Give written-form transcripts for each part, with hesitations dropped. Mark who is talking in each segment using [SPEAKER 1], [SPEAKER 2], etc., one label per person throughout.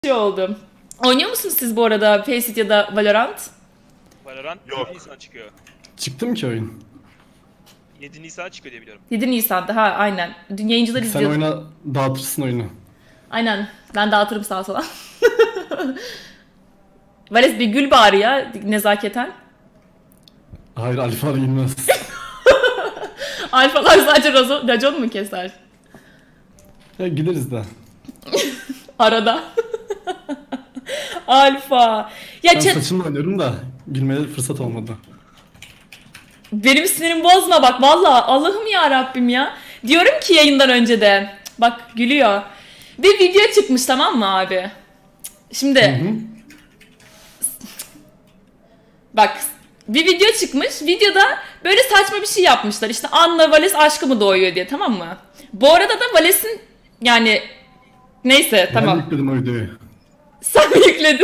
[SPEAKER 1] oldu. Oynuyor musunuz siz bu arada Faceit ya da Valorant?
[SPEAKER 2] Valorant
[SPEAKER 3] Yok.
[SPEAKER 2] 7 Nisan çıkıyor.
[SPEAKER 3] Çıktı ki oyun?
[SPEAKER 2] 7 Nisan çıkıyor diye biliyorum.
[SPEAKER 1] 7 Nisan'da ha aynen. Dün yayıncılar
[SPEAKER 3] Sen
[SPEAKER 1] izliyordu.
[SPEAKER 3] oyna dağıtırsın oyunu.
[SPEAKER 1] Aynen. Ben dağıtırım sağa sola. Vales bir gül bari ya nezaketen.
[SPEAKER 3] Hayır alfa girmez.
[SPEAKER 1] Alfalar sadece racon mu keser?
[SPEAKER 3] Ya gideriz de.
[SPEAKER 1] Arada. Alfa. Ya
[SPEAKER 3] Ben
[SPEAKER 1] chat,
[SPEAKER 3] saçımla oynuyorum da gülmeye fırsat olmadı.
[SPEAKER 1] benim sinirimi bozma bak valla Allah'ım ya Rabbim ya. Diyorum ki yayından önce de bak gülüyor. Bir video çıkmış tamam mı abi? Şimdi
[SPEAKER 3] Hı.
[SPEAKER 1] bak bir video çıkmış. Videoda böyle saçma bir şey yapmışlar. İşte Anna Vales aşkı mı doğuyor diye tamam mı? Bu arada da Vales'in yani neyse
[SPEAKER 3] Ben
[SPEAKER 1] tamam.
[SPEAKER 3] yükledim o videoyu.
[SPEAKER 1] Sen mi yükledin?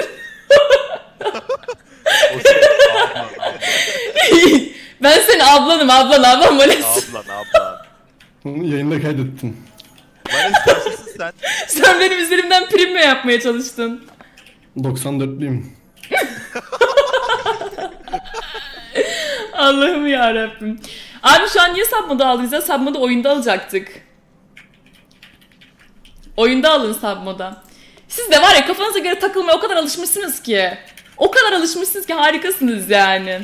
[SPEAKER 4] O şey, ablan.
[SPEAKER 1] Ben senin ablam Vales.
[SPEAKER 4] Ablan.
[SPEAKER 3] Onu yayında kaydettim.
[SPEAKER 4] Bana istersin sen.
[SPEAKER 1] Sen benim üzerimden prim mi yapmaya çalıştın?
[SPEAKER 3] 94'lüyüm.
[SPEAKER 1] Allah'ım ya Rabbim. Abi şu an niye submod'u aldınız ya? Submod'u oyunda alacaktık. Oyunda alın submod'a. Siz de var ya kafanıza göre takılmaya o kadar alışmışsınız ki. O kadar alışmışsınız ki harikasınız yani.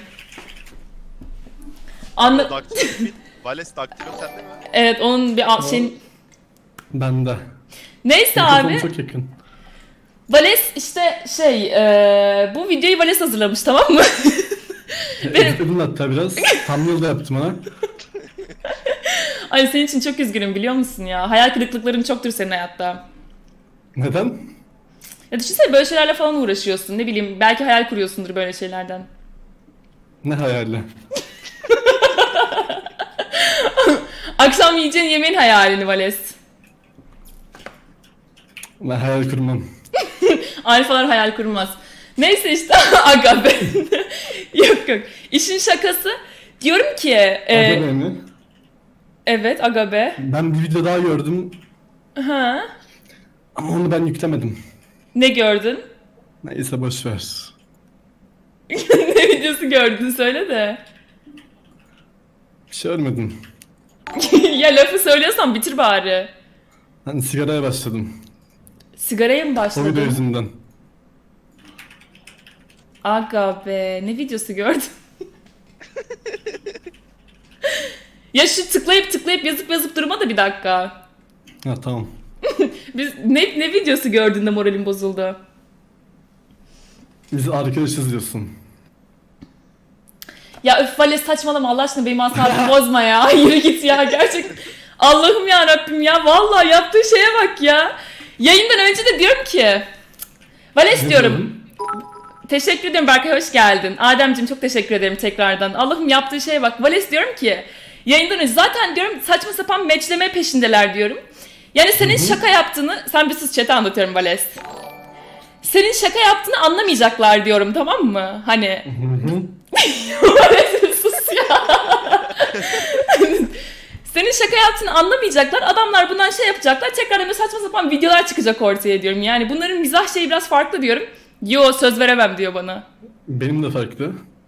[SPEAKER 1] Anla...
[SPEAKER 4] Vales daktilo sende mi?
[SPEAKER 1] Evet onun bir şeyin...
[SPEAKER 3] Bende.
[SPEAKER 1] Neyse
[SPEAKER 3] Mikrofonu
[SPEAKER 1] abi.
[SPEAKER 3] çok yakın.
[SPEAKER 1] Vales işte bu videoyu Vales hazırlamış tamam mı?
[SPEAKER 3] Editledim hatta biraz. Thumbnail da yaptım ona.
[SPEAKER 1] Ay senin için çok üzgünüm biliyor musun ya? Hayal kırıklıkların çoktur senin hayatta.
[SPEAKER 3] Neden?
[SPEAKER 1] Ya düşünsene böyle şeylerle falan uğraşıyorsun. Ne bileyim belki hayal kuruyorsundur böyle şeylerden.
[SPEAKER 3] Ne hayali?
[SPEAKER 1] Akşam yiyeceğin yemeğin hayalini Vales.
[SPEAKER 3] Ben hayal kurmam.
[SPEAKER 1] Alfalar hayal kurmaz. Neyse işte aga be. Yok. İşin şakası. Diyorum ki
[SPEAKER 3] Aga beni.
[SPEAKER 1] evet aga be.
[SPEAKER 3] Ben bir video daha gördüm
[SPEAKER 1] Ha?
[SPEAKER 3] ama onu ben yüklemedim.
[SPEAKER 1] Ne gördün?
[SPEAKER 3] Neyse boşver.
[SPEAKER 1] Ne videosu gördün söyle de.
[SPEAKER 3] Bir şey ölmedim.
[SPEAKER 1] Ya lafı söylüyorsan bitir bari.
[SPEAKER 3] Ben sigaraya başladım.
[SPEAKER 1] Sigaraya mı
[SPEAKER 3] O video
[SPEAKER 1] başladın?
[SPEAKER 3] yüzünden.
[SPEAKER 1] Aga be ne videosu gördün? Ya şu tıklayıp yazıp durma da bir dakika.
[SPEAKER 3] Ha tamam.
[SPEAKER 1] Biz ne videosu gördün de moralin bozuldu?
[SPEAKER 3] Biz arkadaşız diyorsun.
[SPEAKER 1] Ya öf Vales saçmalama Allah aşkına benim asabımı bozma ya. Yürü git ya gerçekten. Allah'ım ya Rabbim ya vallahi yaptığı şeye bak ya. Yayından önce de diyorum ki Vales
[SPEAKER 3] Ne
[SPEAKER 1] diyorum.
[SPEAKER 3] diyordun?
[SPEAKER 1] Teşekkür ederim Berkay hoş geldin. Ademciğim çok teşekkür ederim tekrardan. Allah'ım yaptığı şeye bak. Vales diyorum ki yayından önce zaten diyorum saçma sapan matchleme peşindeler diyorum. Yani senin şaka yaptığını sen bir sus chat'e anlatıyorum Vales. Senin şaka yaptığını anlamayacaklar diyorum tamam mı? Hani
[SPEAKER 3] Hı hı.
[SPEAKER 1] Vales sus ya. Senin şaka yaptığını anlamayacaklar. Adamlar bundan şey yapacaklar. Tekrardan böyle saçma sapan videolar çıkacak ortaya diyorum. Yani bunların mizah şeyi biraz farklı diyorum. Yo söz veremem diyor bana.
[SPEAKER 3] Benim de farklı.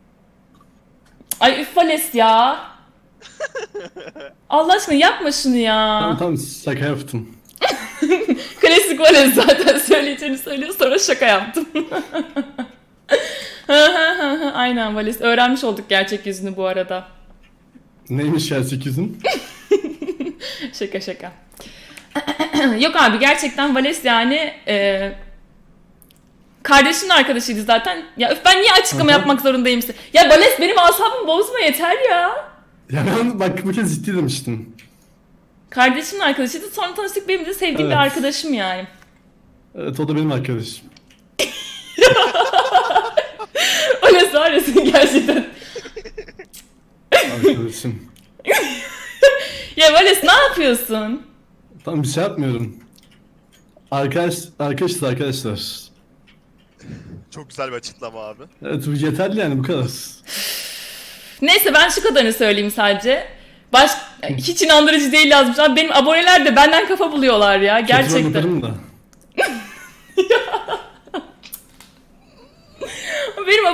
[SPEAKER 1] Ay üf Vales ya. Allah aşkına yapma şunu ya.
[SPEAKER 3] Tamam şaka yaptım.
[SPEAKER 1] Klasik Vales zaten söyleyeceğini söylüyor sonra şaka yaptım. Aynen Vales. Öğrenmiş olduk gerçek yüzünü bu arada.
[SPEAKER 3] Neymiş gerçek yüzün?
[SPEAKER 1] Şaka. Yok abi gerçekten Vales yani kardeşinin arkadaşıydı zaten. Ya öf ben niye açıklama
[SPEAKER 3] Aha.
[SPEAKER 1] yapmak zorundayım size? Ya Vales benim asabımı bozma yeter ya.
[SPEAKER 3] Ya ben bak bu kez ciddi demiştim.
[SPEAKER 1] Kardeşimin arkadaşıydı sonra tanıştık benim de sevdiğim bir
[SPEAKER 3] Evet.
[SPEAKER 1] arkadaşım yani.
[SPEAKER 3] Evet o da benim arkadaşım.
[SPEAKER 1] Vales var ya sen gerçekten.
[SPEAKER 3] Arkadaşım.
[SPEAKER 1] Ya Vales ne yapıyorsun?
[SPEAKER 3] Tamam bir şey yapmıyorum. Arkadaşız arkadaşlar.
[SPEAKER 4] Çok güzel bir açıklama abi.
[SPEAKER 3] Evet bu yeterli yani bu kadar.
[SPEAKER 1] Neyse ben şu kadarını söyleyeyim sadece. Hiç inandırıcı değil yazmış. Abi benim aboneler de benden kafa buluyorlar ya
[SPEAKER 3] Kötü rol
[SPEAKER 1] gerçekten.
[SPEAKER 3] yaparım da.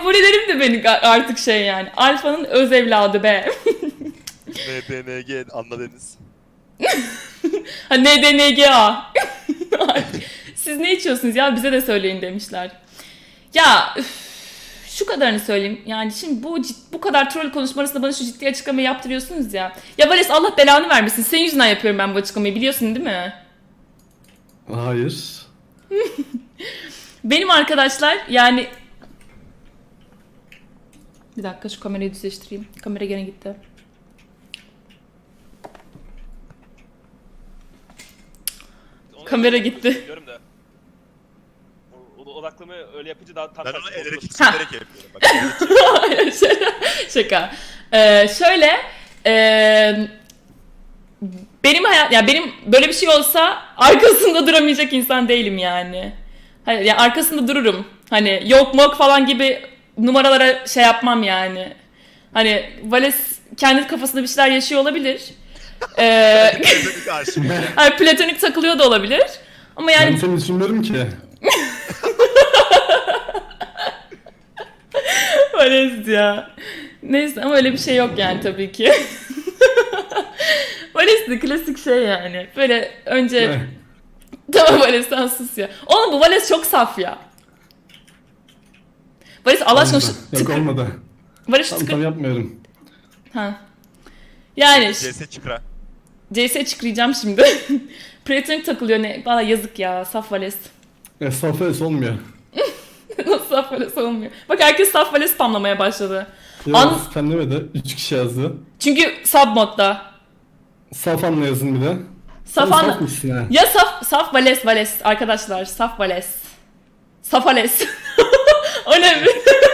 [SPEAKER 1] abonelerim de benim artık şey yani. Alfa'nın öz evladı be.
[SPEAKER 4] NDNG anladınız.
[SPEAKER 1] Ha NDNGA. Siz ne içiyorsunuz ya bize de söyleyin demişler. Ya şu kadarını söyleyeyim. Yani şimdi bu kadar troll konuşma arasında bana şu ciddi açıklamayı yaptırıyorsunuz ya. Ya Vales Allah belanı vermesin. Senin yüzünden yapıyorum ben bu açıklamayı biliyorsun değil mi?
[SPEAKER 3] Hayır.
[SPEAKER 1] Benim arkadaşlar yani... Bir dakika şu kamerayı düzleştireyim. Kamera gene gitti. Kamera gitti.
[SPEAKER 2] Diyorum da. Odaklama öyle yapınca daha tam
[SPEAKER 4] Ben
[SPEAKER 2] tersi
[SPEAKER 4] onu el
[SPEAKER 2] olur.
[SPEAKER 4] hareketi çekerek yapıyorum. Bak, el hareketi
[SPEAKER 1] Hayır, şaka. Şöyle benim hayat ya benim böyle bir şey olsa arkasında duramayacak insan değilim yani. Hani yani arkasında dururum. Hani yok mok falan gibi numaralara şey yapmam yani. Hani Vales kendi kafasında bir şeyler yaşıyor olabilir.
[SPEAKER 4] Platonik aşık.
[SPEAKER 1] Hani platonik takılıyor da olabilir. Ama yani
[SPEAKER 3] Ben seni düşünmüyorum ki.
[SPEAKER 1] Vales ya. Neyse ama öyle bir şey yok yani tabii ki. Vales de klasik şey yani. Böyle önce...
[SPEAKER 3] Ne?
[SPEAKER 1] Tamam Vales sen sus ya. Oğlum bu Vales çok saf ya. Vales Allah aşkına şu
[SPEAKER 3] Olmadı. Yok olmadı.
[SPEAKER 1] Vales şu
[SPEAKER 3] Tam tam yapmıyorum.
[SPEAKER 1] Ha. Yani
[SPEAKER 4] CS çıkra.
[SPEAKER 1] CS çıkıracağım şimdi. Platonik takılıyor ne? Valla yazık ya. Saf Vales.
[SPEAKER 3] Safes olmuyor.
[SPEAKER 1] Nasıl saf Vales olmuyor? Bak herkes saf Vales spamlamaya başladı.
[SPEAKER 3] Ya sen demedi. 3 kişi yazdı.
[SPEAKER 1] Çünkü sub modda.
[SPEAKER 3] Safan yazın bir de.
[SPEAKER 1] Saf
[SPEAKER 3] Sen
[SPEAKER 1] anla-
[SPEAKER 3] saf mısın ha?
[SPEAKER 1] Ya saf Vales arkadaşlar. Saf Vales. Saf Vales. O ne?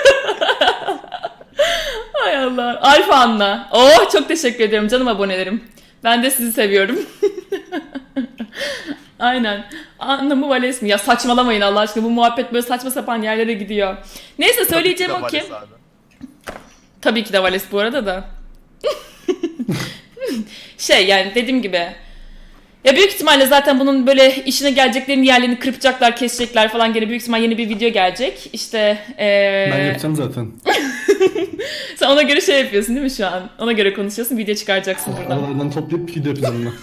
[SPEAKER 1] Hay Allah. Alfa Anna. Oh çok teşekkür ederim canım abonelerim. Ben de sizi seviyorum. Aynen. Anna mı Vales mi? Ya saçmalamayın Allah aşkına. Bu muhabbet böyle saçma sapan yerlere gidiyor. Neyse söyleyeceğim o ki. Tabii ki de Vales bu arada da. Şey yani dediğim gibi. Ya büyük ihtimalle zaten bunun böyle işine geleceklerin yerlerini kırpacaklar, kesecekler falan gene büyük ihtimal yeni bir video gelecek. İşte
[SPEAKER 3] Ben yapacağım zaten.
[SPEAKER 1] sen ona göre şey yapıyorsun değil mi şu an? Ona göre konuşuyorsun, video çıkaracaksın buradan.
[SPEAKER 3] Aralardan toplayıp video yapacağım ben.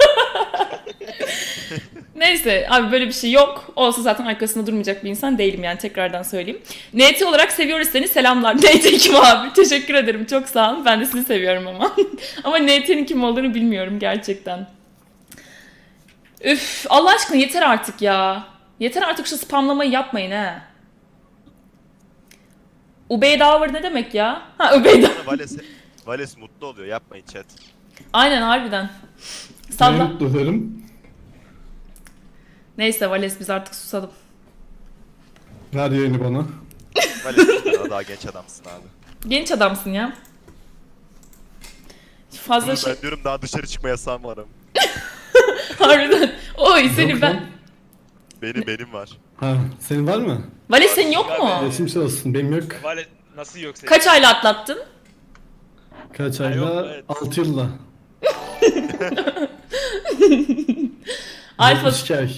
[SPEAKER 1] Neyse abi böyle bir şey yok. Olsa zaten arkasında durmayacak bir insan değilim yani tekrardan söyleyeyim. NT olarak seviyoruz seni selamlar. NT kim abi? Teşekkür ederim çok sağ olun. Ben de sizi seviyorum ama. Ama NT'nin kim olduğunu bilmiyorum gerçekten. Üf Allah aşkına yeter artık ya. Yeter artık şu spamlamayı yapmayın he. Ubeydavar ne demek ya? Ha Ubeydavar.
[SPEAKER 4] Vales mutlu oluyor. Yapmayın chat.
[SPEAKER 1] Aynen harbiden.
[SPEAKER 3] Ne
[SPEAKER 1] Salla.
[SPEAKER 3] mutlu ederim.
[SPEAKER 1] Neyse Vales biz artık susalım.
[SPEAKER 3] Ver yayını bana.
[SPEAKER 4] Vales daha genç adamsın abi.
[SPEAKER 1] Genç adamsın ya. Fazla
[SPEAKER 4] Ben
[SPEAKER 1] şey...
[SPEAKER 4] diyorum daha dışarı çıkma yasağım var ama.
[SPEAKER 1] Harbiden. Oy seni
[SPEAKER 3] Yok
[SPEAKER 1] ben...
[SPEAKER 3] lan.
[SPEAKER 4] Benim var.
[SPEAKER 3] Ha, senin var mı?
[SPEAKER 1] Vales senin yok mu?
[SPEAKER 3] Geçmiş olsun. Benim yok.
[SPEAKER 2] Vale nasıl yok senin?
[SPEAKER 1] Kaç ayla atlattın?
[SPEAKER 3] Kaç
[SPEAKER 2] Ha, yok,
[SPEAKER 3] ayda?
[SPEAKER 2] evet.
[SPEAKER 3] 6 yılla.
[SPEAKER 1] Alfa...
[SPEAKER 3] 2 ay.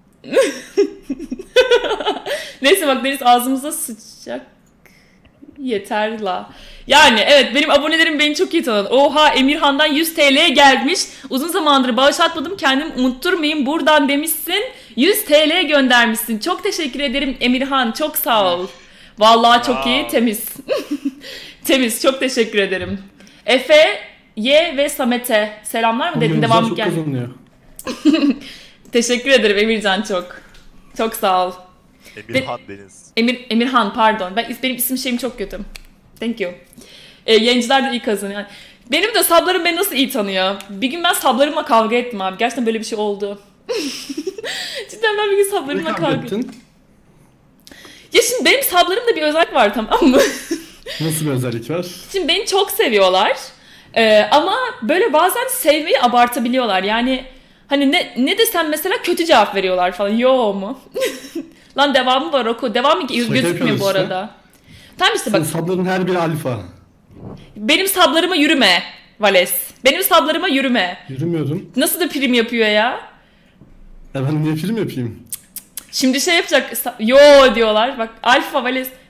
[SPEAKER 1] Neyse bak Deniz ağzımıza sıçacak. Yeter la. Yani evet benim abonelerim beni çok iyi tanıdı. Oha Emirhan'dan 100 TL'ye gelmiş. Uzun zamandır bağış atmadım kendimi unutturmayayım buradan demişsin. 100 TL göndermişsin. Çok teşekkür ederim Emirhan. Çok sağ ol. Vallahi çok iyi temiz. Temiz çok teşekkür ederim. Efe, Y ve Samet'e selamlar mı dedin
[SPEAKER 3] Oyuncular
[SPEAKER 1] devam
[SPEAKER 3] çok
[SPEAKER 1] gel.
[SPEAKER 3] kazanıyor.
[SPEAKER 1] Teşekkür ederim Emircan çok. Çok sağ ol.
[SPEAKER 4] Emirhan Deniz.
[SPEAKER 1] Emirhan pardon. Benim isim şeyim çok kötü. Thank you. Yayıncılar da iyi kazanıyor. Benim de sablarım beni nasıl iyi tanıyor. Bir gün ben sablarımla kavga ettim abi. Gerçekten böyle bir şey oldu. Cidden ben bir gün sablarımla
[SPEAKER 3] Ne
[SPEAKER 1] kavga ettim.
[SPEAKER 3] ettin?
[SPEAKER 1] Ya şimdi benim sablarımda bir özellik var tamam mı?
[SPEAKER 3] Nasıl bir özellik var?
[SPEAKER 1] Şimdi beni çok seviyorlar. Ama böyle bazen sevmeyi abartabiliyorlar. Yani hani ne desem mesela kötü cevap veriyorlar falan. Yo mu? Lan devamı var oku. Devamı
[SPEAKER 3] Şaka
[SPEAKER 1] gözükmüyor
[SPEAKER 3] yapıyoruz
[SPEAKER 1] bu
[SPEAKER 3] işte.
[SPEAKER 1] arada. Tamam işte
[SPEAKER 3] Senin
[SPEAKER 1] bak.
[SPEAKER 3] sabların her biri alfa.
[SPEAKER 1] Benim sablarıma yürüme Vales. Benim sablarıma yürüme.
[SPEAKER 3] Yürümüyorum.
[SPEAKER 1] Nasıl da prim yapıyor ya?
[SPEAKER 3] Ya ben niye film yapayım?
[SPEAKER 1] Şimdi şey yapacak. Yo diyorlar. Bak Alfa Vales.